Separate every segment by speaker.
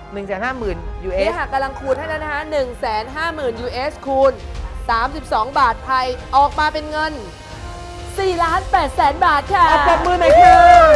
Speaker 1: 150,000
Speaker 2: นี่
Speaker 1: US
Speaker 2: ค่ะกำลังคูณให้แล้วนะคะ 150,000 US คูณ 32 บาทไทย ออกมาเป็นเงิน 4,800,000 บาทค่ะ
Speaker 1: เอาปรบมือหน่อยค่ะ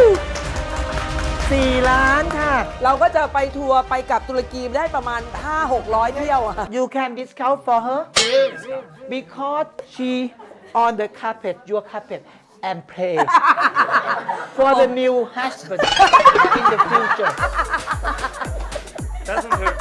Speaker 1: 4 ล้านค่ะ
Speaker 2: เราก็จะไปทัวร์ไปกับตุรกีได้ประมาณ 500-600 เที่ยวอะ
Speaker 1: You can discount for her because she on the carpet your carpet and play for the new husband in the future
Speaker 3: Doesn't hurt.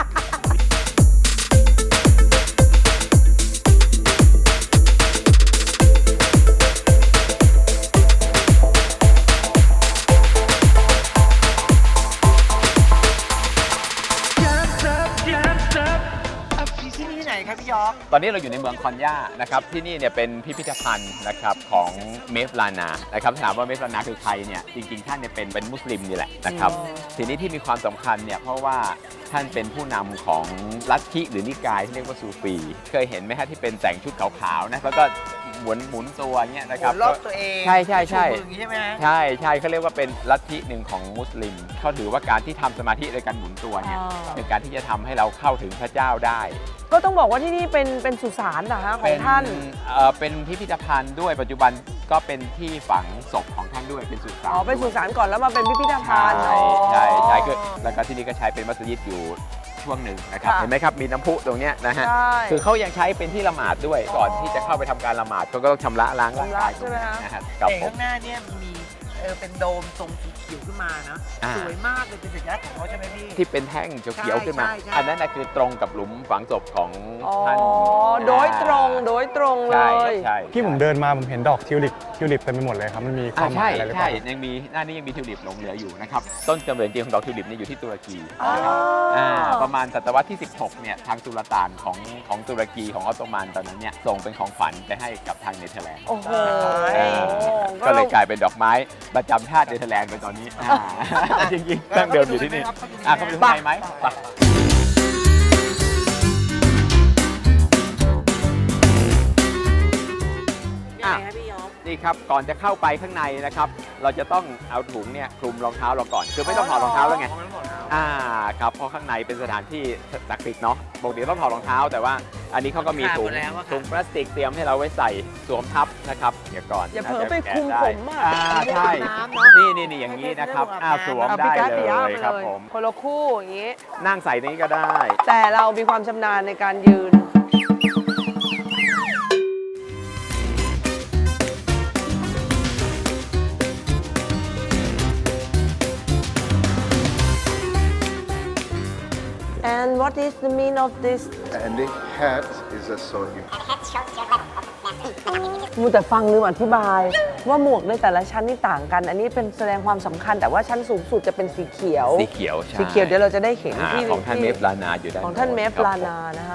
Speaker 1: Jump up ที่นี่ที่ไหนครับพี่ยอก
Speaker 4: ตอนนี้เราอยู่ในเมืองคอนยานะครับที่นี่เนี่ยเป็นพิพิธภัณฑ์นะครับของเมฟลานานะครับถามว่าเมฟลานาคือใครเนี่ยจริงๆท่านเนี่ยเป็นมุสลิมนี่แหละนะครับทีนี้ที่มีความสำคัญเนี่ยเพราะว่าท่านเป็นผู้นำของลัทธิหรือนิกายที่เรียกว่าซูฟีเคยเห็นไหมฮะที่เป็นแต่งชุดขาวๆนะแล้วก็หมุนตัวเนี่ยนะครับ
Speaker 1: รอบตัวเอง
Speaker 4: ใช่ใช่ใช่
Speaker 1: ชูมืออย่างนี้ใช่ไหมฮะ
Speaker 4: ใช่ใช่เขาเรียกว่าเป็นลัทธิหนึ่งของมุสลิมเขาถือว่าการที่ทำสมาธิโดยการหมุนตัวเนี่ยเป็นการที่จะทำให้เราเข้าถึงพระเจ้าได้
Speaker 2: ก็ต้องบอกว่าที่นี่เป็นสุสานนะคะของท่าน
Speaker 4: เป็นพิพิธภัณฑ์ด้วยปัจจุบันก็เป็นที่ฝังศพของท่านด้วยเป็นสุสาน
Speaker 2: อ๋อ เป็นสุสานก่อนแล้วมาเป็นพิพิธภัณฑ์
Speaker 4: ใช่ใช่คือแล้วก็ที่นี่ก็ใช้เป็นมัสยิดอยู่ช่วงหนึ่งนะครับ
Speaker 2: ค่ะ
Speaker 4: เห็นไหมครับมีน้ำพุตรงเนี้ยนะฮะ
Speaker 2: ใช่
Speaker 4: คือเขายังใช้เป็นที่ละหมาดด้วยก่อนที่จะเข้าไปทำการละหมาดเขาก็ต้องชำระล้างร่างกาย
Speaker 2: ชำระใช่ไหมฮะ
Speaker 4: นะฮะกับ
Speaker 1: แต่
Speaker 4: ผม
Speaker 1: ข้างหน้าเนี่ยมีเป็นโดมทรงสีเขียวขึ้นมานะ
Speaker 4: อ่า
Speaker 1: สวยมากเลยเป็นสัญลักษณ์ของเขาใช่ไหมพี่
Speaker 4: ที่เป็นแท่งเขียวๆขึ้นมา
Speaker 1: ใช่ใช่
Speaker 4: อันนั้นนะคือตรงกับหลุมฝังศพของ
Speaker 2: อ๋อ
Speaker 4: ท่าน
Speaker 2: โดยตรงเล
Speaker 4: ใช่
Speaker 2: ย
Speaker 4: ใช่
Speaker 5: ที่ผมเดินมาผมเห็นดอกทิวลิปเต็มไปหมดเลยครับ มันมีความห
Speaker 4: ใช่
Speaker 5: มายอะไรหรือเป
Speaker 4: ใช่
Speaker 5: ล่า
Speaker 4: ยังมีหน้านี้ยังมีทิวลิปหลงเหลืออยู่นะครับต้นกำเนิดจริงของดอกทิวลิปเนี่ยอยู่ที่ตุรกี
Speaker 2: อ๋อ
Speaker 4: นะครับประมาณศตวรรษที่ 16เนี่ยทางสุลต่านของตุรกีของออตโตมันตอนนั้นเนี่ยส่งเป็นของขวัญไปให้กับทางเนเธอร์แลนด์
Speaker 2: โอ้โห
Speaker 4: ก็เลยกลายเป็นดอกไม้ประจำชาติเนเธอร์แลนด์ไปตอนนี้จริงๆตั้งเดิมอยู่ที่นี่เข้าไปดูข้างในไหมไปนี่ครับก่อนจะเข้าไปข้างในนะครับเราจะต้องเอาถุงเนี่ยคลุมรองเท้าเราก่อนคือไม่ต้องถอดรองเท้าแล้วไงครับเพราะข้างในเป็นสถานที่ศักดิ์สิทธิ์เนาะปกติต้องถอดรองเท้าแต่ว่าอันนี้เขาก็มีถุงพลาสติกเตรียมให้เราไว้ใส่สวมทับนะครับเดี๋ยวก่อน
Speaker 2: อย่าเผลอไปคุมผมอ่ะ
Speaker 4: ใช่นี่อย่างนี้นะครับสวมได้เลยครับผม
Speaker 2: คนละคู่อย่างนี้
Speaker 4: นั่งใส่นี้ก็ได้
Speaker 2: แต่เรามีความชำนาญในการยืน And what is the mean of this
Speaker 6: And the hat is a sony.
Speaker 2: มูแต่ฟังลืมอธิบาย ว่าหมวกในแต่ละชั้นนี่ต่างกัน อันนี้เป็นแสดงความสำคัญแต่ว่าชั้นสูงสุดจะเป็นสีเขียว
Speaker 4: สีเขียวใช่
Speaker 2: สีเขียวเดี๋ยวเราจะได้เห็นที่
Speaker 4: ของท่านเมฟลานาอยู่ด้าน
Speaker 2: ของท่านเมฟ
Speaker 4: ครับ
Speaker 2: ลานานะคะ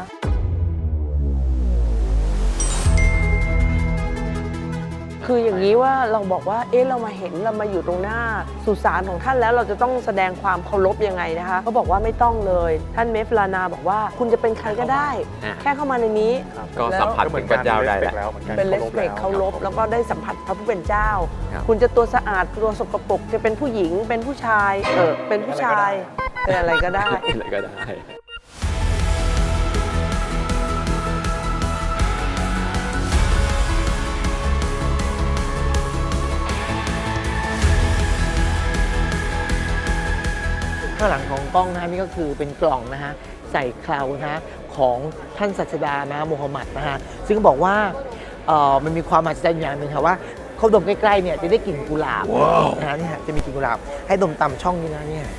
Speaker 2: คืออย่างนี้ว่าเราบอกว่าเรามาเห็นเรามาอยู่ตรงหน้าสุสานของท่านแล้วเราจะต้องแสดงความเคารพยังไงนะคะเขาบอกว่าไม่ต้องเลยท่านเมฟลานาบอกว่าคุณจะเป็นใครก็ได้ แค่เข้ามาในนี้
Speaker 4: ก็สัมผัสถึงพระเจ้าได้แหละ
Speaker 2: เป็นเลสเปกเคารพแล้วก็ได้สัมผัสพระผู้เป็นเจ้า
Speaker 4: ครับ
Speaker 2: คุณจะตัวสะอาดตัวสกปรกจะเป็นผู้หญิงเป็นผู้ชายเป็นผู้ชายเป็นอะไรก็ได้
Speaker 4: อะไรก็ได้
Speaker 1: ข้างหลังของกล้องนะฮะนี่ก็คือเป็นกล่องนะฮะใส่เคราวนะฮะของท่านศาสดานะมูฮัมหมัดนะฮะซึ่งบอกว่ามันมีความมหัศจรรย์อย่างหนึ่งค่ะว่าเขาดมใกล้ๆเนี่ยจะได้กลิ่นกุหลาบนะฮะเนี่ยจะมีกลิ่นกุหลาบให้ดมตามช่องนี้นะเนี่ย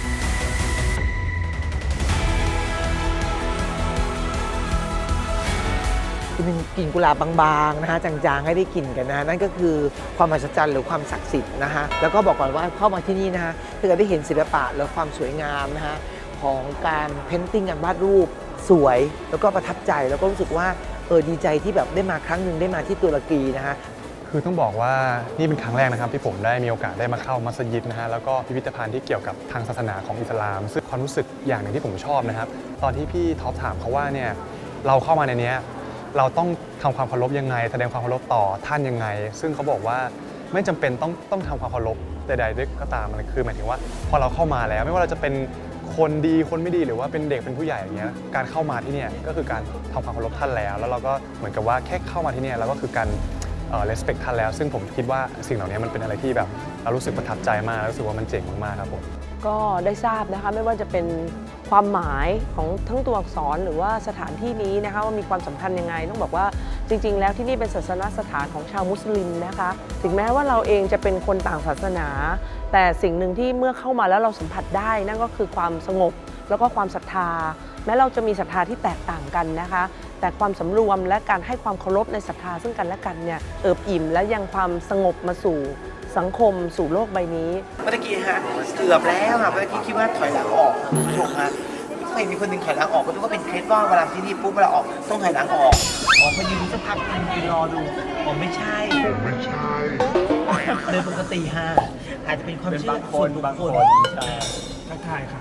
Speaker 1: จะเป็นกลิ่นกุหลาบบางๆนะฮะจางๆให้ได้กลิ่นกันนะฮะนั่นก็คือความมหัศจรรย์หรือความศักดิ์สิทธิ์นะฮะแล้วก็บอกก่อนว่าเข้ามาที่นี่นะฮะถ้าเกิดได้เห็นศิลปะและความสวยงามนะฮะของการเพ้นติ้งการวาดรูปสวยแล้วก็ประทับใจแล้วก็รู้สึกว่าดีใจที่แบบได้มาครั้งหนึ่งได้มาที่ตุรกีนะฮะ
Speaker 5: คือต้องบอกว่านี่เป็นครั้งแรกนะครับที่ผมได้มีโอกาสได้มาเข้ามัสยิดนะฮะแล้วก็พิพิธภัณฑ์ที่เกี่ยวกับทางศาสนาของอิสลาม ซึ่งความรู้สึกอย่างหนึ่งที่ผมชอบนะครับตอนที่พี่ท็อปถามเขาว่าเนี่ยเราเข้ามาในนี้เราต้องทำความเคารพยังไงแสดงความเคารพต่อท่านยังไง ซึ่งเขาบอกว่าไม่จำเป็นต้องทำความเคารพใดๆด้วยก็ตามมันคือหมายถึงว่าพอเราเข้ามาแล้วไม่ว่าเราจะเป็นคคนดีคนไม่ดีหรือว่าเป็นเด็กเป็นผู้ใหญ่อย่างเงี้ยการเข้ามาที่เนี่ยก็คือการทำความเคารพท่านแล้วเราก็เหมือนกับว่าแค่เข้ามาที่เนี่ยเราก็คือการrespect ท่านแล้วซึ่งผมคิดว่าสิ่งเหล่านี้มันเป็นอะไรที่แบบเรารู้สึกประทับใจมากรู้สึกว่ามันเจ๋งมากๆครับผม
Speaker 2: ก็ได้ทราบนะคะไม่ว่าจะเป็นความหมายของทั้งตัวอักษรหรือว่าสถานที่นี้นะคะว่ามีความสำคัญยังไงต้องบอกว่าจริงๆแล้วที่นี่เป็นศาสนสถานของชาวมุสลิมนะคะถึงแม้ว่าเราเองจะเป็นคนต่างศาสนาแต่สิ่งหนึ่งที่เมื่อเข้ามาแล้วเราสัมผัสได้นั่นก็คือความสงบแล้วก็ความศรัทธาแม้เราจะมีศรัทธาที่แตกต่างกันนะคะแต่ความสำรวมและการให้ความเคารพในศรัทธาซึ่งกันและกันเนี่ยเอิบอิ่มและยังความสงบมาสู่สังคมสู่โลกใบนี้
Speaker 1: เมื่อกี้ฮะเกือบแล้วค่ะเมื่อกี้คิดว่าถอยหลังออกค่ะคุณผู้ชมฮะไม่เห็นมีคนหนึ่งถอยหลังออกก็นึกว่าเป็นเคสว่าเวลาที่นี่ปุ๊บเวลาออกต้องถอยหลังออกพอยืนดูสักพักยืนรอดูไม่ใช่โดยปกติฮะอาจจะเป็นความเชื่อส่วนบุคคลทักทายค่ะ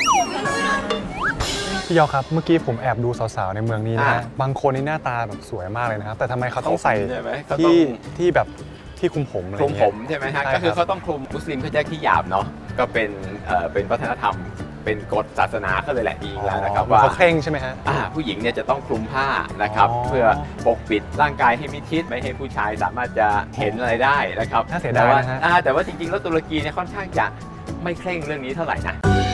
Speaker 5: พี่ยอครับเมื่อกี้ผมแอบดูสาวๆในเมืองนี้นะฮะบางคนนี่หน้าตาแบบสวยมากเลยนะครับแต่ทำไมเขาต้องใส่
Speaker 4: ใช่ไหมเขาต้อง
Speaker 5: ที่แบบที่คลุมผมอะไร
Speaker 4: คลุม
Speaker 5: เงี้ย
Speaker 4: ผมใช่ไหมฮะ
Speaker 5: ใช่
Speaker 4: ก็คือ
Speaker 5: ครับ
Speaker 4: เขาต้องคลุมมุสลิมเขาจะขี้หยาบเนาะก็เป็นวัฒนธรรมเป็นกฎศาสนาเขาเลยแหละจริงๆแล้วนะครับว่า
Speaker 5: เขาเคร่งใช่ไหมฮะ
Speaker 4: ผู้หญิงเนี่ยจะต้องคลุมผ้านะครับ
Speaker 5: อ๋อ
Speaker 4: เพื่อปกปิดร่างกายให้มิดชิดไม่ให้ผู้ชายสามารถจะเห็นอะไรได้นะครับ
Speaker 5: น่าเสียดายนะฮะ
Speaker 4: แต่ว่าจริงๆแล้วตุรกีเนี่ยค่อนข้างจะไม่เคร่งเรื่องนี้เท่าไหร่นะ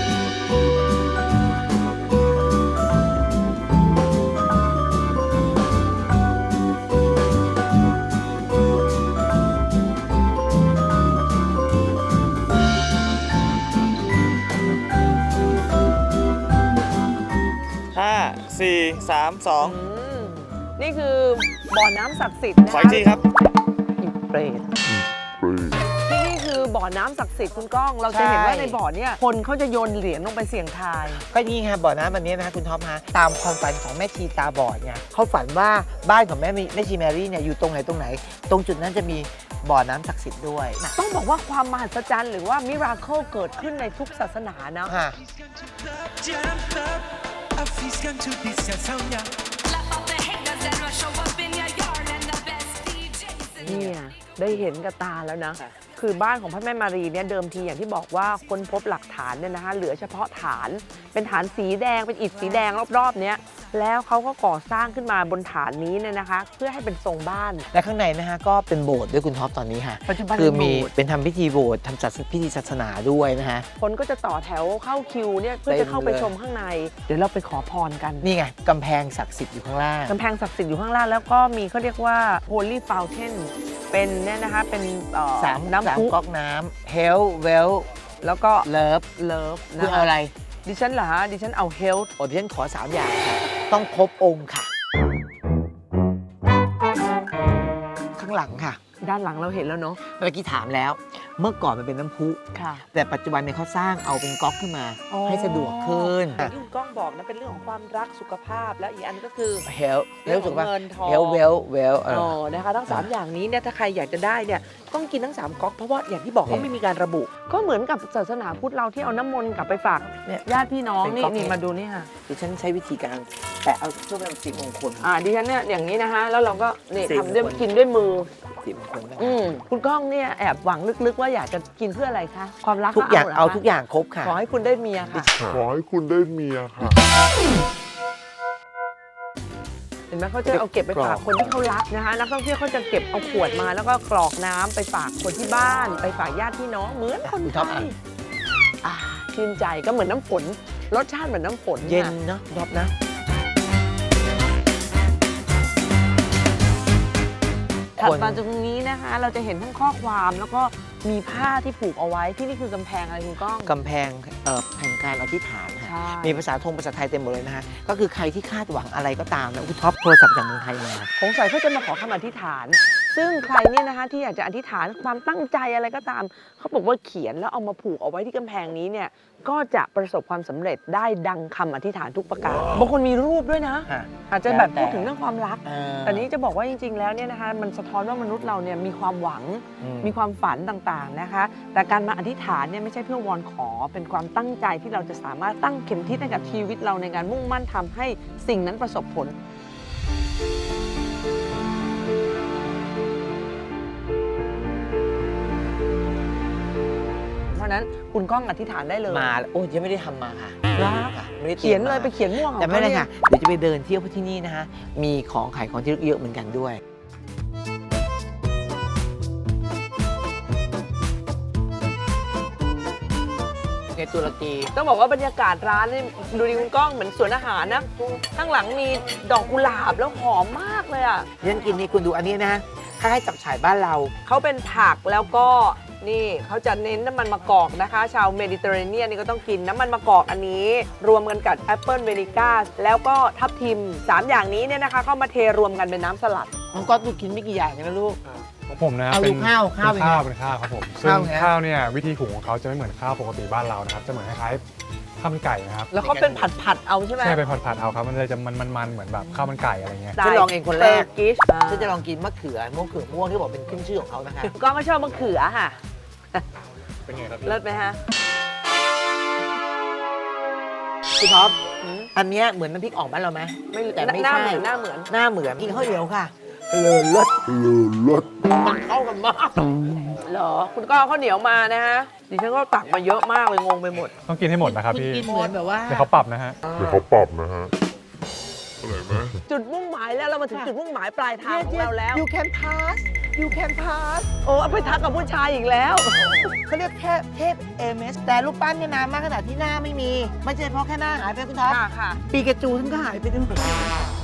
Speaker 3: 5 4 3 2
Speaker 2: นี่คือบ่อน้ำศักดิ์สิทธิ์นะคะ
Speaker 3: ขออีกทีครับ
Speaker 2: อีเปรตที่นี่คือบ่อน้ำศักดิ์สิทธิ์คุณก้อง เราจะเห็นว่าในบ่อเนี่ยคนเขาจะโยนเหรียญลงไปเสี่ยงทาย
Speaker 1: ก็นี่ไงบ่อน้ำอันนี้นะคุณท็อปฮะตามความฝันของแม่ชีตาบอดไงเขาฝันว่าบ้านของแม่ชีแมรี่เนี่ยอยู่ตรงไหน ตรงจุดนั้นจะมีบ่อน้ำศักดิ์สิทธิ์ด้วยนะ
Speaker 2: ต้องบอกว่าความมหัศจรรย์หรือว่ามิราเคิลเกิดขึ้นในทุกศาสนานะ
Speaker 1: ฮะ
Speaker 2: เนี่ยได้เห็นกับตาแล้วนะ คือบ้านของพระแม่มารีเนี่ยเดิมทีอย่างที่บอกว่าค้นพบหลักฐานเนี่ยนะคะเหลือเฉพาะฐานเป็นฐานสีแดงเป็นอิฐสีแดงรอบๆเนี้ยแล้วเขาก็ก่อสร้างขึ้นมาบนฐานนี้เนี่ยนะคะ เพื่อให้เป็นทรงบ้าน
Speaker 1: และข้างในนะฮะก็เป็นโบสถ์ด้วยคุณท็อปตอนนี้ค่ะ
Speaker 2: ปัจจุบัน
Speaker 1: คือมี
Speaker 2: เป็นโบสถ์
Speaker 1: เป็นทำพิธีโบสถ์ทำพิธีศาสนาด้วยนะฮะ
Speaker 2: คนก็จะต่อแถวเข้าคิวเนี่ยเพื่อจะเข้าไปชมข้างใน เดี๋ยวเราไปขอพรกัน
Speaker 1: นี่ไงกำแพงศักดิ์สิทธิ์อยู่ข้างล่าง
Speaker 2: กำแพงศักดิ์สิทธิ์อยู่ข้างล่างแล้วก็มีเขาเรียกว่า Holy Fountain เป็นเนี่ยนะคะเป็น
Speaker 1: สาม
Speaker 2: น้ำพุ
Speaker 1: ก๊อกน้ำ Hell Well
Speaker 2: แล้วก็
Speaker 1: Love
Speaker 2: เลิฟ
Speaker 1: คือเอาอะไร
Speaker 2: ดิฉันเหรอฮะดิฉันเอา health
Speaker 1: โอ้ดิฉันขอ 3 อย่างค่ะต้องครบองค์ค่ะ ข้างหลังค่ะ
Speaker 2: ด้านหลังเราเห็นแล้วเนาะ
Speaker 1: เมื่อกี้ถามแล้ว เมื่อก่อนมันเป็นน้ำพุ
Speaker 2: ค่ะ
Speaker 1: แต่ปัจจุบันเนี่ยเขาสร้างเอาเป็นก๊อกขึ้นมา ให้สะดวกขึ้น
Speaker 2: อย่างที่คุณก้องบอกนะเป็นเรื่องของความรักสุขภาพแล้วอีกอันก็คือ
Speaker 1: Hell
Speaker 2: เรื่อง
Speaker 1: ถู
Speaker 2: ข
Speaker 1: ก
Speaker 2: อง
Speaker 1: ป่ะ
Speaker 2: เงินทอง
Speaker 1: Hell Well
Speaker 2: นะคะทั้ง 3 อย่างนี้เนี่ยถ้าใครอยากจะได้เนี่ยต้องกินทั้ง 3ก๊อกเพราะว่าอย่างที่บอกเขาไม่มีการระบุ ก็เหมือนกับศาสนาพุทธเราที่เอาน้ำมนต์กลับไปฝาก
Speaker 1: เนี่ย
Speaker 2: ญาติพี่น้อง
Speaker 1: เป็น
Speaker 2: นี่
Speaker 1: ก๊อก
Speaker 2: นี่
Speaker 1: เนี่ย
Speaker 2: มาดูนี่ค่ะ
Speaker 1: ดิฉันใช้วิธีการแปะเอาเพื่อเป็นสิริมงคล
Speaker 2: ดิฉันเนี่ยอย่างนี้นะคะแล้วเราก็นี่
Speaker 1: สิบ
Speaker 2: ทำด้วย
Speaker 1: คน
Speaker 2: กินด้วยมือ
Speaker 1: สิริมงคลนะ
Speaker 2: คุณก้องเนี่ยแอบหวังลึกๆว่าอยากจะกินเพื่ออะไรคะความรัก
Speaker 1: ทุกอย่าง
Speaker 2: หร
Speaker 1: เอาทุกอย่างครบค่ะ
Speaker 2: ขอให้คุณได้เมียค่ะ
Speaker 6: ขอให้คุณได้เมียค่ะ
Speaker 2: เห็นไหมเขาจะเอาเก็บไปฝากคนที่เขารักนะคะนักท่องเที่ยวเขาจะเก็บเอาขวดมาแล้วก็กรอกน้ำไปฝากคนที่บ้าน ไปฝากญาติพี่น้องเหมือนคน
Speaker 1: คุณ
Speaker 2: ไท
Speaker 1: ท็อป
Speaker 2: ย
Speaker 1: อ่ะ
Speaker 2: ชื่นใจก็เหมือนน้ำฝนรสชาติเหมือนน้ำฝน
Speaker 1: เย็น
Speaker 2: ค่ะ
Speaker 1: เนาะท็อปนะ
Speaker 2: ถัดมาตรงนี้นะคะ เราจะเห็นทั้งข้อความแล้วก็มีผ้าที่ผูกเอาไว้ที่นี่คือกำแพงอะไรคุณก้อง
Speaker 1: กำแพงแห่งการอธิษฐานค่ะ
Speaker 2: ใช่
Speaker 1: มีภาษาไทยเต็มหมดเลยนะฮะ ก็คือใครที่คาดหวังอะไรก็ตามนะคุณท็อปโทรศัพท์จากเมืองไทยมา
Speaker 2: สงสัยเขาจะมาขอคำอธิษฐาน ซึ่งใครเนี่ยนะคะที่อยากจะอธิษฐานความตั้งใจอะไรก็ตาม เขาบอกว่าเขียนแล้วเอามาผูกเอาไว้ที่กำแพงนี้เนี่ยก็จะประสบความสำเร็จได้ดังคำอธิษฐานทุกประการบางคนมีรูปด้วยนะ อาจจะแบบพูดถึงเรื่องความรัก แต่นี้จะบอกว่าจริงๆ แล้วเนี่ยนะคะมันสะท้อนว่ามนุษย์เราเนี่ยมีความหวัง มีความฝันต่างๆนะคะ แต่การมาอธิษฐานเนี่ยไม่ใช่เพื่อวอนขอเป็นความตั้งใจที่เราจะสามารถตั้งเข็มทิศให้กับชีวิตเราในการมุ่งมั่นทำให้สิ่งนั้นประสบผล เพราะฉะนั้นนั้นคุณก้องอธิษฐานได้เลย
Speaker 1: มาโอ้ยังไม่ได้ทำมาค่ะ
Speaker 2: เหรอ
Speaker 1: ค่ะไม่ได้ตรี
Speaker 2: เขียน
Speaker 1: ม
Speaker 2: เลย
Speaker 1: มา
Speaker 2: ไปเขียนม่วงของ
Speaker 1: แต่ไม่เป็นไร
Speaker 2: ขา
Speaker 1: ค่ะ เดี๋ยวจะไปเดินเที่ยวที่นี่นะคะมีของขายของที่ระลึกเยอะเหมือนกันด้วยในตุรกี
Speaker 2: ต้องบอกว่าบรรยากาศร้านนี่ดูดิคุณก้องเหมือนสวนอาหารนะข้างหลังมีดอกกุหลาบแล้วหอมมากเลยอ่ะ
Speaker 1: เรื่องกินนี่คุณดูอันนี้นะคล้ายๆจับฉ่ายบ้านเรา
Speaker 2: เขาเป็นผักแล้วก็นี่เขาจะเน้นน้ำมันมะกอกนะคะ ชาวเมดิเตอร์เรเนียนนี่ก็ต้องกินน้ำมันมะกอกอันนี้ รวมกันกับแอปเปิลเวนิก้าแล้วก็ทับทิม 3 อย่างนี้เนี่ยนะคะเข้ามาเทรวมกันเป็นน้ำสลัด
Speaker 1: น้องก๊อตดูกินไม่กี่อย่างนะลูก
Speaker 5: ของผมนะ
Speaker 1: เอาดูข้าว
Speaker 5: เป็น
Speaker 1: ข้าวเป็นไง
Speaker 5: ข้าวเป็นข้าวครับผมซึ่ง
Speaker 1: ข้าวไง
Speaker 5: ข้าวเนี่ยวิธีหุงของเขาจะไม่เหมือนข้าวปกติบ้านเรานะครับจะเหมือนคล้ายๆข้าวมันไก่นะครับ
Speaker 2: แล้วเขาเป็นผัดๆเอาใช่ไหม
Speaker 5: ใช่เป็นผัดๆเอาครับมันเลยจะมันๆเหมือนแบบข้าวมันไก่อะไรเงี้ย
Speaker 1: ฉันลองเองคนแรก
Speaker 2: กิช
Speaker 1: ฉันจะลองกินมะเขือม่วงที่บอกเป็นขึ้นชื่อของเขานะคะ
Speaker 2: ก็ไม่ชอบมะเขือค่ะ
Speaker 5: เป็นไงครับ
Speaker 2: เลิศไหมฮะ
Speaker 1: คุณท็อปอันเนี้ยเหมือนน้ำพริกอ่องบ้านเราไหม
Speaker 2: ไม่
Speaker 1: แต่ไม่
Speaker 2: หน้า
Speaker 1: ใช่
Speaker 2: เหมือนหน้าเหมือน
Speaker 1: หน้าเหมือนกินข้าวเหนียวค่ะเลยรส
Speaker 6: เลิศ
Speaker 1: มันเข้ากันมาก
Speaker 2: เหรอ คุณก็เอาข้าวเหนียวมานะฮะ ดิฉันก็ตักมาเยอะมากเลยงงไปหมด
Speaker 5: ต้องกินให้หมดนะครับ
Speaker 1: คุณ
Speaker 5: พี่
Speaker 1: กินเหมือนแบบว่า
Speaker 5: เดี๋ยวเขาปรับนะฮะ
Speaker 6: เดี๋ยวเขาปรับนะฮะอะไรไหม
Speaker 2: จุดมุ่งหมายแล้วเรามาถึงจุดมุ่งหมายปลายทางของเราแล้ว
Speaker 1: you can pass you can pass
Speaker 2: โอ้เอาไปทักกับผู้ชายอีกแล้ว
Speaker 1: เขาเรียกเทพเอเมสแต่รูปปั้นเนี่ยนานมากขนาดที่หน้าไม่มี ไม่ใช่เพราะแค่หน้าหายไปคุณท็อป
Speaker 2: ค่ะ
Speaker 1: ปีกระจูท่านก็หายไปด้วย